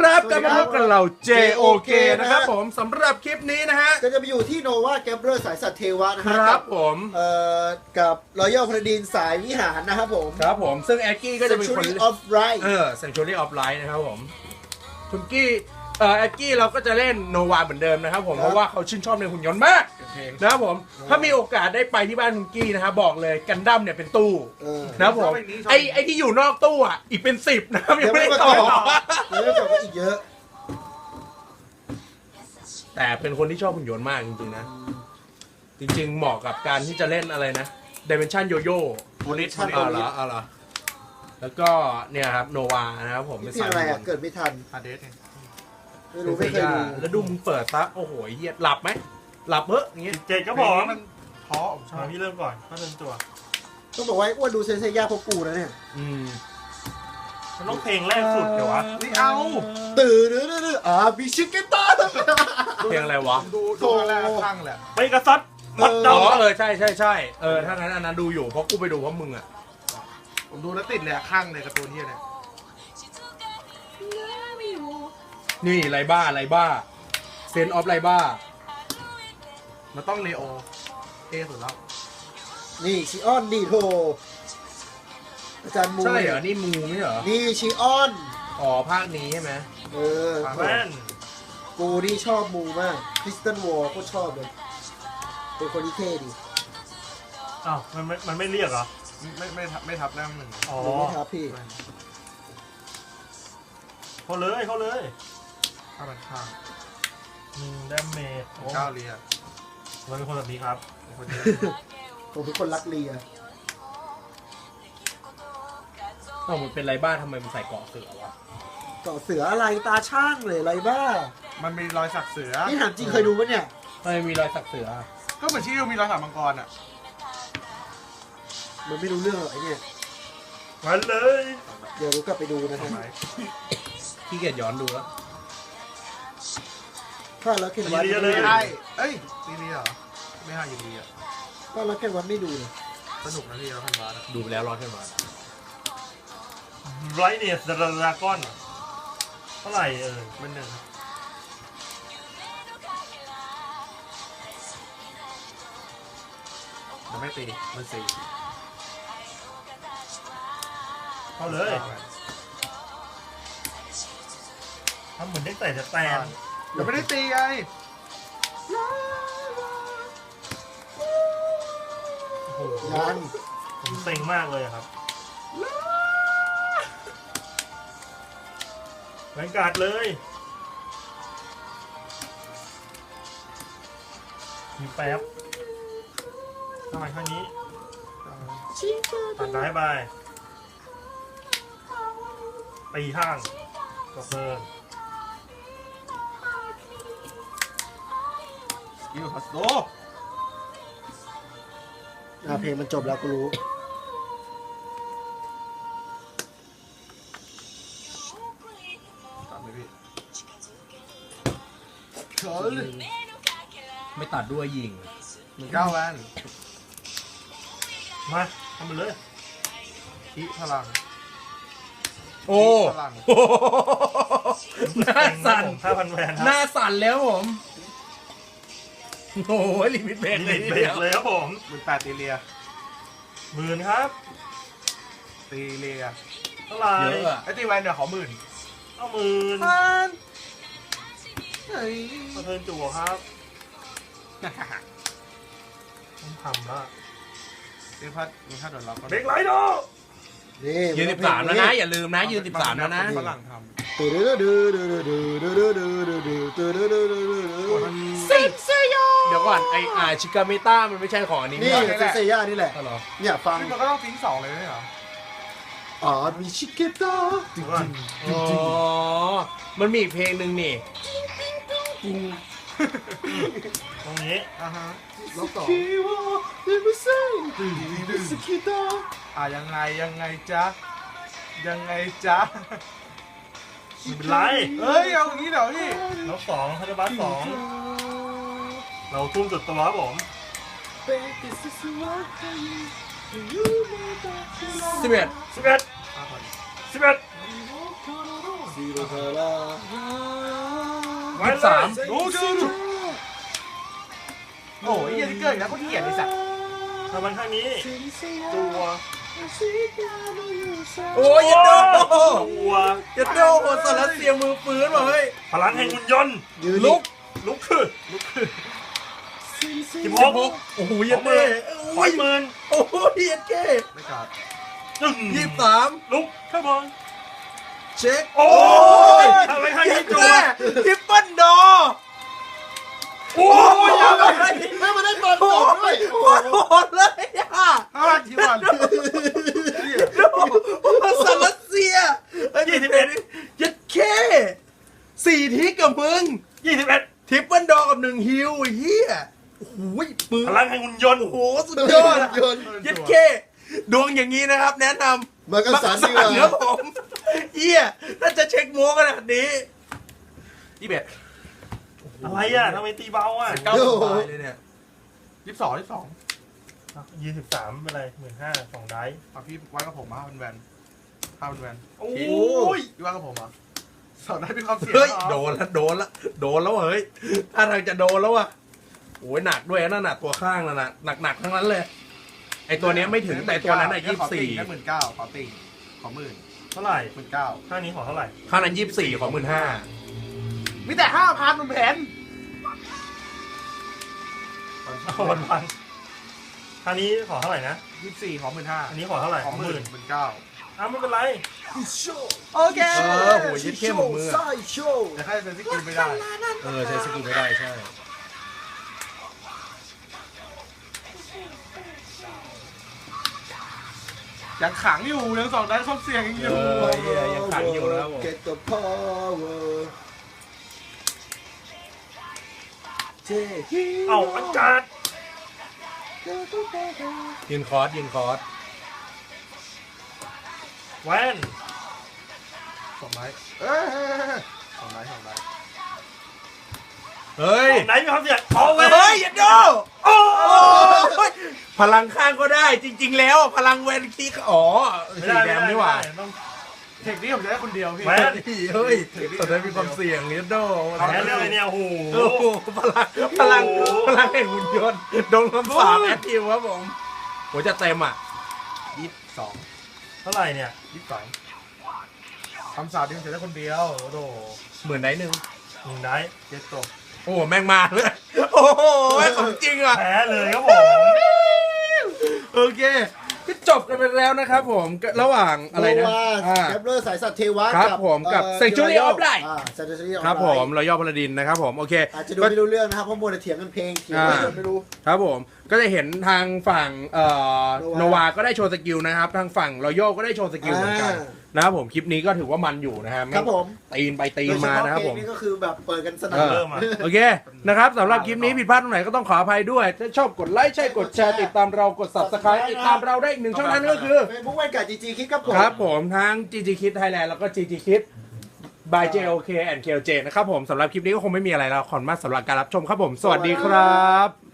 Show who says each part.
Speaker 1: ครับกลับมาพบกับเรา JOK นะครับผมสำหรับคลิปนี้นะฮะ
Speaker 2: ก็จะไปอยู่ที่โนวาแกมเบอร์สายสัตว์เทวะนะ
Speaker 1: ค
Speaker 2: ฮะ
Speaker 1: รับผม
Speaker 2: กับรอยัลพาราดินสายวิหารนะครับผม
Speaker 1: ครับผมซึ่งแอคกี้ก็จะเป็นคน
Speaker 2: Century of Light
Speaker 1: Century of Light นะครับผมคุณกี้แอคกี้เราก็จะเล่นโนวาเหมือนเดิมนะครับผมเพราะว่าเขาชื่นชอบในหุ่นยนต์มากนะครับผมถ้ามีโอกาสได้ไปที่บ้านคุณกี้นะครับบอกเลยกันดั้มเนี่ยเป็นตู้นะครับผมไอที่อยู่นอกตู้อ่ะอีกเป็น10นะครับยังไม่ได้ต่อ
Speaker 2: ยังไม่จบก็อีกเยอะ
Speaker 1: แต่เป็นคนที่ชอบหุ่นยนต์มากจริงๆนะจริงๆเหมาะกับการที่จะเล่นอะไรนะ Dimension Yo-Yo
Speaker 2: โพลิส
Speaker 1: เอาเหรอแล้วก็เนี่ยครับโนวานะครับผมเป็น
Speaker 2: ที่
Speaker 1: สาย
Speaker 2: อะไร
Speaker 1: หุ่นย
Speaker 2: อ่ะ
Speaker 1: นต์
Speaker 2: เกิดไม่ทัน
Speaker 3: ฮาเดสไง
Speaker 2: ไม่เคยดู
Speaker 1: แล้วดูมึงเปิดซะโอ้โหเหี้ยหลับไหมหลับเฮ้ยอย่างเงี้ย
Speaker 4: 17ครับผม
Speaker 3: มันท้อผมชอบ
Speaker 4: พี่เริ่มก่อนก็เริ่มตัว
Speaker 2: ต้องบอกว่าอ้วนดูเซนเซย่าพวกกูนะเนี่ย
Speaker 4: มันต้องเพลงแรกสุดเดี๋ยววะ
Speaker 3: นี่เอา
Speaker 2: ตื่นบิชิเกต้า
Speaker 1: เพลงอะไรวะ
Speaker 3: ดูแรกข้างแหละ
Speaker 4: ไปกระซัดพัด
Speaker 1: อ๋
Speaker 4: ดา
Speaker 1: อใช่ถ้างั้นอันนั้นดูอยู่เพราะกูไปดูเพราะมึงอ่ะ
Speaker 3: ผมดูแล้วติดเลยข้างเลยการ์ตูนเฮียเนี่ย
Speaker 1: นี่ไรบ้าเซนออฟไรบ้า
Speaker 3: มันต้องเลโอเท่สุดแล้ว
Speaker 2: นี่ชิออนดีโทอาจารย์มู
Speaker 1: ใช่เหรอนี่มูไม่เหรอ
Speaker 2: นี่ชิออน
Speaker 1: อ๋อภาคนี้ใช่ไหม
Speaker 4: แม่น
Speaker 2: กูนี่ชอบมูมากคริสตันวอลก็ชอบเลยเป็นคนที่เท่ดี
Speaker 4: อ้าวมันไม่เรียกเหรอ
Speaker 3: ไม่ทับแรกหนึ่ง
Speaker 4: อ๋อ
Speaker 2: หรือไม่ครับพี่
Speaker 4: เขาเลย
Speaker 3: ข้างมันข้าง
Speaker 4: ดาเมจ
Speaker 3: ก้าวเรีย
Speaker 4: เราเป็นคนแบบนี้ครับ
Speaker 3: คนเดียว
Speaker 2: ผมเป็นคนรักเลีย
Speaker 1: ถ้ามันเป็นไรบ้าทำไมมันใส่เกราะเสือวะ
Speaker 2: เกาะเสืออะไรตาช่างเลยอะไรบ้า
Speaker 3: มันมีรอยสักเสือ
Speaker 2: นี่ถามจริงเคยดูปะเนี่ย
Speaker 1: ทำไมมีรอยสักเสือ
Speaker 3: ก็เหมือนที่มีรอยสักมังกรอ่ะ
Speaker 2: มันไม่รู้เรื่องหรอกไอ้เนี่ย
Speaker 4: มาเลย
Speaker 2: เดี๋ยวรู้กลับไปดูนะ
Speaker 3: ทำ
Speaker 2: ฮะ
Speaker 3: ไม
Speaker 1: ขี้เกียจย้อนดูแล้ว
Speaker 2: ถ้าแล้วเคนวัด
Speaker 3: ไม่ได้เอ้ยตีเรียเหรอไม่ห้าอยู่ดีอ่ะ
Speaker 2: ถ้าแล้วเคนวัดไม่ดูเลย
Speaker 3: สนุกนะที่เราทำมา
Speaker 1: ดูไปแล้วร้อนขึ้นมา
Speaker 4: ไรเนียสดราก้อนเท่าไหร่
Speaker 3: มันหนึ่งครับจะไม่ตีมันสี่
Speaker 4: เข้าเลยทำเหมือนได้ใส่แตน
Speaker 3: ยังไม่ได้ตีไง
Speaker 4: โอ้โห
Speaker 2: ยัง
Speaker 4: ผมเซ็งมากเลยอะครับแรงการ์ดเลยมีแป๊บทำไมข้างนี้ตัดได้ไปตีข้างก็เพิ่ม
Speaker 3: สกิลฮัสโต
Speaker 2: เพลงมันจบแล้วกูรู้
Speaker 3: ตัดไหมพี่
Speaker 2: เขิน
Speaker 1: ไม่ตัดด้วยยิง
Speaker 3: มันก้าวแวน
Speaker 4: มาทำไปเลย
Speaker 3: อีพลัง
Speaker 1: โอ้
Speaker 3: พลัง
Speaker 1: หน้าสั่น
Speaker 4: 5,000 แวนค
Speaker 1: ห
Speaker 4: รับ
Speaker 1: น้าสั่นแล้วผมโอ้ยลิมิตเบรก
Speaker 4: ลิ
Speaker 1: เล
Speaker 4: มิ
Speaker 1: ย
Speaker 4: ตเบรกเลยครับผม
Speaker 3: 18ตีเรีย
Speaker 4: 10,000ครับ
Speaker 3: ตีเรีย
Speaker 4: เท่าไหร่
Speaker 1: เยอะอะ
Speaker 3: ไอ้ตีแวนเดี๋ยวขอ10,000
Speaker 4: เอา10,000
Speaker 3: เฮ้ย
Speaker 4: มาเทิร์นจั่วครับต้องทำละ
Speaker 3: ตีพัดมีค่าโดนล็อก
Speaker 4: เบรกไลท์โด
Speaker 2: นี่
Speaker 1: ยืน13แล้วนะอย่าลืมนะยืน13แล้วนะ
Speaker 3: ฝรั่งท
Speaker 2: ตื่นดื้อดื้อดื้อดื้อดื้อดื้อดื้อดื้อดื้อดื้อดื้อดื้อดื้อดื้อดื้อ
Speaker 1: สิบเซโยเดี๋ยวก่อนชิกาเมต้ามันไม่ใช่ของอันนี้
Speaker 2: นี่
Speaker 1: นี่
Speaker 2: เซนเซย่านี่แหละ
Speaker 1: เหรอ
Speaker 2: เนี่ยฟัง
Speaker 3: ำมันก็ต้องทิ้ง2เลยไม่เหรอ
Speaker 2: บิชิเกต้า
Speaker 4: ดูก่อน
Speaker 1: อ๋อมันมีอีกเพลงหนึ่งนี่
Speaker 4: ตรงนี้
Speaker 3: อ่าฮะ
Speaker 2: ล็อกต่อเดมิเซ่บิชิเกต้า
Speaker 3: ยังไงจ๊ะจ๊ะ
Speaker 4: ไม่เป็นไร
Speaker 3: เฮ้ยเอาอย่างนี้เดี๋ยวพี่
Speaker 4: แล้ว2คาร์บัส2เราทุ่มสุดตัวครับผม
Speaker 1: 11
Speaker 4: 11 11
Speaker 2: ซีโรเทอร่า
Speaker 4: ไว้
Speaker 1: สาม
Speaker 4: รู้ชื่อ
Speaker 3: โอ้ยยี่ติ๊กเกอร์อีกแล้วก็ขี้เกียจไอ้สัตว์
Speaker 4: ทำมันข้างนี้
Speaker 3: ตัว
Speaker 1: โอ้ยยัดโด
Speaker 4: ตัว
Speaker 1: ยัดโดโอสารเสียมือปืนว่ะเฮ้ย
Speaker 4: พลังแห่งหุ่นยนต์
Speaker 2: ยืน
Speaker 1: ลุก
Speaker 4: ลุกขึ้น16
Speaker 1: โอ้โหยัดเด้
Speaker 4: ปล่อยหมื่น
Speaker 1: โอ้ยยัดเก้
Speaker 3: ไม่กัด
Speaker 4: จึง
Speaker 1: 23
Speaker 4: ลุกข้างบน
Speaker 1: เช็ค
Speaker 4: โอ้ยทำไมข้าง
Speaker 1: ยั
Speaker 4: นี้
Speaker 1: ด
Speaker 4: จัว
Speaker 1: แม่ทริปเปิลดอ
Speaker 4: โอ้ย
Speaker 1: ยังไง
Speaker 2: ไม่มาได้บอล
Speaker 1: โอ้
Speaker 2: ก่อนด้วย
Speaker 1: ยโคตรโหดเลยอ่ะ
Speaker 3: ที่วัน
Speaker 1: โอ้สารเสียยัดแค่4ทิกกับมึง
Speaker 4: 21
Speaker 1: ทริปเปิลดอกับ1ฮิวไอ้เหี้ยโอ้โหปืน
Speaker 4: พลังแห่งหุ่นยนต์
Speaker 1: โอ้โหสุดยอด
Speaker 2: ยนต์
Speaker 1: ยัดเคดวงอย่างนี้นะครับ แนะนำ
Speaker 2: มากันสารดีกว่า
Speaker 1: ครับผมเหี้ยน่าจะเช็คโม้ขนาดนี้
Speaker 3: 21
Speaker 4: อะไรอ่ะทำไมตีเบาอ่ะ
Speaker 1: เก้าสบายเลยเนี่ย
Speaker 3: 22
Speaker 4: 23เป็นไร15,000 2ได้
Speaker 3: เอาพี่ไว้กับผมมาเป็นแวน5เป็นแวน
Speaker 4: โอ้ย
Speaker 3: พี่ไว้กับผมอ่ะสอนได้มีความเสี่ยง
Speaker 1: เฮ้ย
Speaker 3: เหรอ
Speaker 1: โดนแล้วเฮ้ยถ้าทางจะโดนแล้วอ่ะโอ้ยหนักด้วยนั่นน่ะตัวข้างนั่นน่ะหนักทั้งนั้นเลยไอตัวเนี้ยไม่ถึงแต่ตัวนั้นอ่ะ
Speaker 3: ขอติ่งแค่19,000ขอติ่งขอ10,000
Speaker 4: เท่าไหร่
Speaker 3: 19,000
Speaker 4: ข้างนี้ของเท่าไหร่
Speaker 1: ข้างนั้น24ของ15,000
Speaker 3: มีแต่ 5,000มันแผน
Speaker 4: วันข้างนี้ของเท่าไหร่นะ
Speaker 3: 24ขอ
Speaker 4: อัน
Speaker 3: 15,000
Speaker 4: นี้ของเท่าไหร่
Speaker 3: ขอ
Speaker 4: 10,000
Speaker 3: 19,000
Speaker 4: อ้าวไม่เป็นไร
Speaker 3: โอเค
Speaker 1: โหยัดเข้หมดมือ
Speaker 2: ไส้โชว์
Speaker 3: แต่แค่เป็นสกิลไม่ได้
Speaker 1: ใช้สกิลไม่ได้ใช่
Speaker 3: ยังขังอยู่ยังสองได้ความเสี่ยงยังอยู่
Speaker 1: เหี้ยยังขังอยู่นะครับผม
Speaker 2: Get the power เจ๊
Speaker 4: เอาอาจารย์
Speaker 1: ยืนคอร์ส
Speaker 4: แวน
Speaker 3: 2ไม้2ไม้2ไม้
Speaker 1: เฮ้ย
Speaker 4: ไหนมีความเสี่ยงเอาแวน
Speaker 1: เฮ้ยยัดโด
Speaker 4: โอ้
Speaker 1: โอ้ยพลังข้างก็ได้จริง ๆ แล้วพลังแวนคีอ๋อสีแดงนี่หว่า
Speaker 4: ต้อง
Speaker 3: เทคนี้ผมจะได้คนเดียวพี่
Speaker 4: แวน
Speaker 1: เฮ้ยตอนนั้นมีความเสี่ยงยัดโด
Speaker 4: แพ้เรื่องอะไรเนี่ยโอ้โห
Speaker 1: โอ้โหพลังแห่งหุ่นยนต์โดนคำสาปแอคทีฟครับผมหัวจะเต็มอ่ะ
Speaker 3: 22
Speaker 4: เท่าไหร่เนี่ย
Speaker 3: คำสาปที่ผมจะได้คนเดียวโอ้โห
Speaker 1: เหมือนได้หนึ่ง
Speaker 4: 1ได้
Speaker 3: เจ็ดตก
Speaker 1: โอ้โหแม่งมาเลยโอ้โหของจริงอ่ะ
Speaker 4: แพ้เลยครับผม
Speaker 1: โอเคก็จบกันไปแล้วนะครับผมระหว่างอะไรนะ
Speaker 2: แกปเลอร์สายสัตว์เทวะ
Speaker 1: ครับผมกับ Sanctuary of Light
Speaker 2: Sanctuary of
Speaker 1: ครับผมเราย่อพลดินนะครับผมโอเค
Speaker 2: อาจจะดูไม่รู้เรื่องนะครับเพราะมัวแต่เถียงกันเพลงเถียงกันไม่รู้
Speaker 1: ครับผมก็จะเห็นทางฝั่งโน
Speaker 2: Nova
Speaker 1: วาก็ได้โชว์สกิลนะครับทางฝั่งรอยัลก็ได้โชว์สกิลเหมือนกันนะครับผมคลิปนี้ก็ถือว่ามันอยู่นะครับ
Speaker 2: ครับผม
Speaker 1: ตีนไปตีนมานะครับผม
Speaker 2: โดยเฉพาะเพลงนี่ก็คือแบบเปิดกันสนั่น
Speaker 4: เริ่มอ่ะ
Speaker 1: โอเคนะครับสำหรับคลิปนี้ผิดพลาดตรงไหนก็ต้องขออภัยด้วย ถ้าชอบกดไลค์ใช่กดแชร์ติดตามเรากด subscribe ติดตามเราได้อีกหนึ่งช่องทางนั่นก็คือ
Speaker 2: เฟซบุ๊กแวนการ์ดจีจีคิดครับผม
Speaker 1: ครับผมทั้ง GG Kid Thailand แล้วก็ GG Kid by JOK and KLJ นะครับผมสำหรับคลิปนี้ก็คงไม่มีอะไรแล้วขอบคุณมากสำหรับการรับชมครับผม สวัสดีครับ